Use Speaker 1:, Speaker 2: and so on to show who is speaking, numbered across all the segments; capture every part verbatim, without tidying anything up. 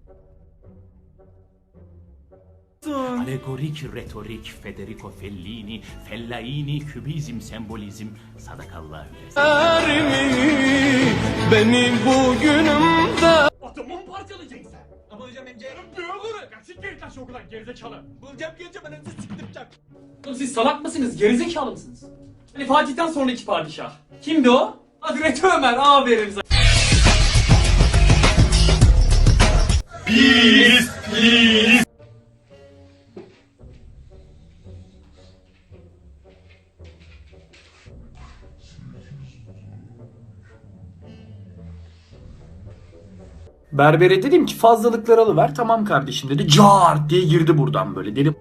Speaker 1: Alegorik, retorik, Federico Fellini, Fellaini, kübizm, sembolizm, sadakallahü
Speaker 2: Benim bugünümde.
Speaker 3: Atomu mu parçalayacaksın sen? Ama hocam M C. Ne olur? Kaçın geri taş okuldan gerizekalı. Bulacağım geleceğim ben önce siktireceğim. Oğlum siz salak mısınız? Gerizekalı mısınız? Hani Fatih'ten sonraki padişah. Kimdi o? Hazreti Ömer. Aferin sana. Biz, biz.
Speaker 4: Berbere dedim ki fazlalıkları alıver. Tamam kardeşim dedi. Cart diye girdi buradan böyle. Dedim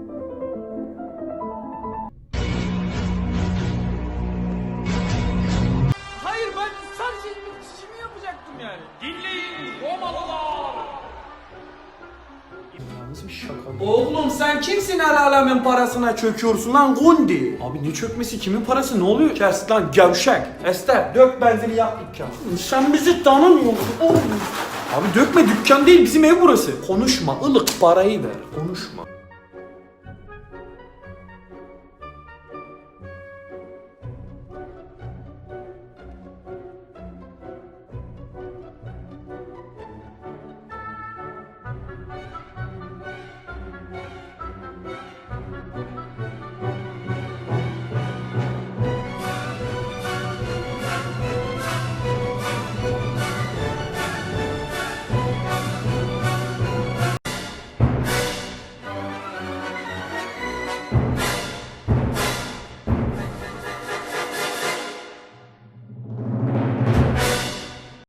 Speaker 3: Hayır ben sadece işimi yapacaktım yani. Dinleyin Romalılar.
Speaker 4: nasıl bir şaka?
Speaker 2: Oğlum sen kimsin el alemin parasına çöküyorsun lan Gundi?
Speaker 4: Abi ne çökmesi, kimin parası, ne oluyor? Kes lan gevşek. Ester dök benzini yak dükkanı.
Speaker 2: Sen bizi tanımıyorsun oğlum.
Speaker 4: Abi dökme, dükkan değil bizim ev burası. Konuşma, ılık parayı ver. Konuşma.